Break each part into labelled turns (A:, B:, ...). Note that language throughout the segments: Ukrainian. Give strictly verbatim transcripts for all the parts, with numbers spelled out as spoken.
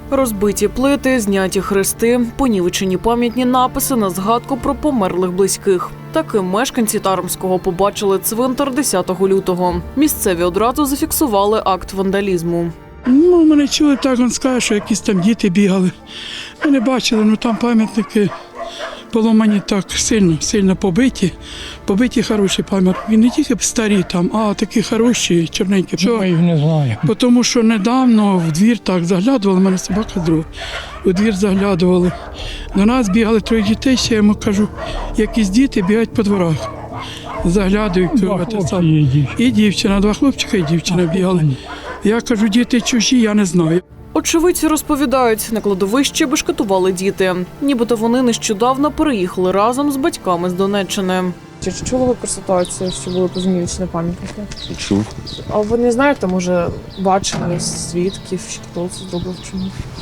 A: Розбиті плити, зняті хрести, понівечені пам'ятні написи на згадку про померлих близьких. Таким мешканці Таромського побачили цвинтар десятого лютого. Місцеві одразу зафіксували акт вандалізму.
B: Ну, мене чули, так він скаже, що якісь там діти бігали. Ми не бачили, ну там пам'ятники поломані так сильно, сильно побиті. Побиті хороші пам'ятники. Не тільки старі там, а такі хороші, чорненькі.
C: Що? Я їх не знаю.
B: Тому що недавно в двір так заглядували, в мене собака друга, у двір заглядували. До нас бігали троє дітей, ще я йому кажу, якісь діти бігають по дворах. Заглядують.
C: Два хлопці і дівчина.
B: І дівчина, два хлопчика і дівчина бігали. Я кажу, діти чужі, я не знаю.
A: Очевидці розповідають, на кладовище бешкетували діти. Нібито вони нещодавно переїхали разом з батьками з Донеччини.
D: Чи чули ви про ситуацію, що були позмінювачні пам'ятники?
E: Чув.
D: А ви не знаєте, може, бачили свідків, що хто це зробив, чому?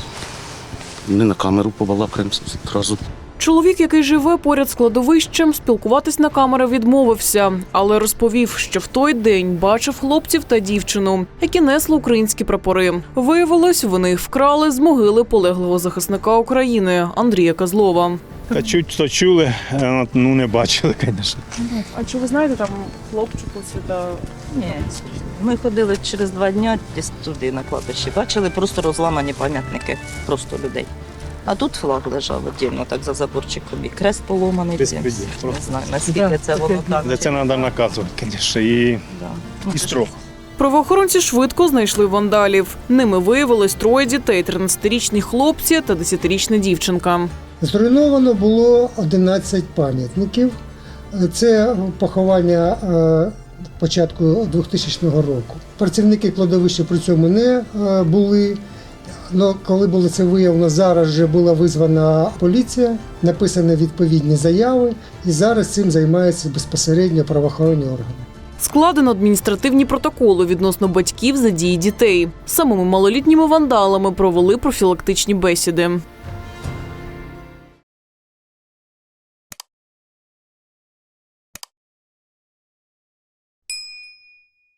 E: Не на камеру побалакаємося одразу.
A: Чоловік, який живе поряд з кладовищем, спілкуватись на камеру відмовився, але розповів, що в той день бачив хлопців та дівчину, які несли українські прапори. Виявилось, вони їх вкрали з могили полеглого захисника України Андрія Козлова.
F: Та чуть то чули, ну не бачили, звісно.
D: А чи ви знаєте там хлопчику сюди?
G: Ні, ми ходили через два дні десь туди на кладбище. Бачили просто розламані пам'ятники, просто людей. А тут флаг лежав віддільно, так за заборчиком, і крест поломаний.
F: Безпреділ.
G: Не знаю, наскільки це воно так.
F: За це треба наказувати, звісно, і,
G: Да.
F: і строго.
A: Правоохоронці швидко знайшли вандалів. Ними виявилось троє дітей – тринадцятирічні хлопці та десятирічна дівчинка.
H: Зруйновано було одинадцять пам'ятників. Це поховання е, початку двохтисячного року. Працівники кладовища при цьому не е, були. Но коли було це виявлено, зараз вже була визвана поліція, написані відповідні заяви, і зараз цим займаються безпосередньо правоохоронні органи.
A: Складено адміністративні протоколи відносно батьків за дії дітей. Самими малолітніми вандалами провели профілактичні бесіди.